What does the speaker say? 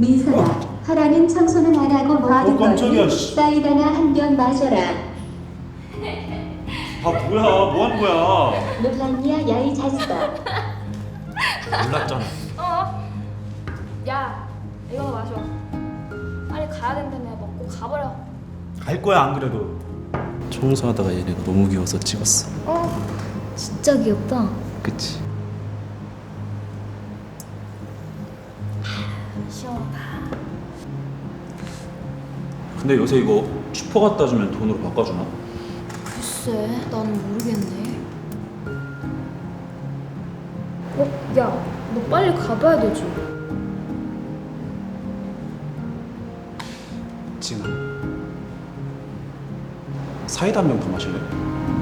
민선아, 하라는 청소는 안 하고 뭐 하는 깜짝이야, 거니? 씨. 사이다나 한 병 마셔라. 아 뭐야, 뭐 하는 거야? 놀랐냐, 야이 자식아. 몰랐잖아. 야, 이거 마셔. 빨리 가야 된다며. 먹고 가버려. 갈 거야 안 그래도. 청소하다가 얘네가 너무 귀여워서 찍었어. 진짜 귀엽다. 그치? 시원하다. 근데 요새 이거 슈퍼 갖다 주면 돈으로 바꿔주나? 글쎄, 나는 모르겠네. 야, 너 빨리 가봐야 되지. 지금 사이다 한 병 더 마실래?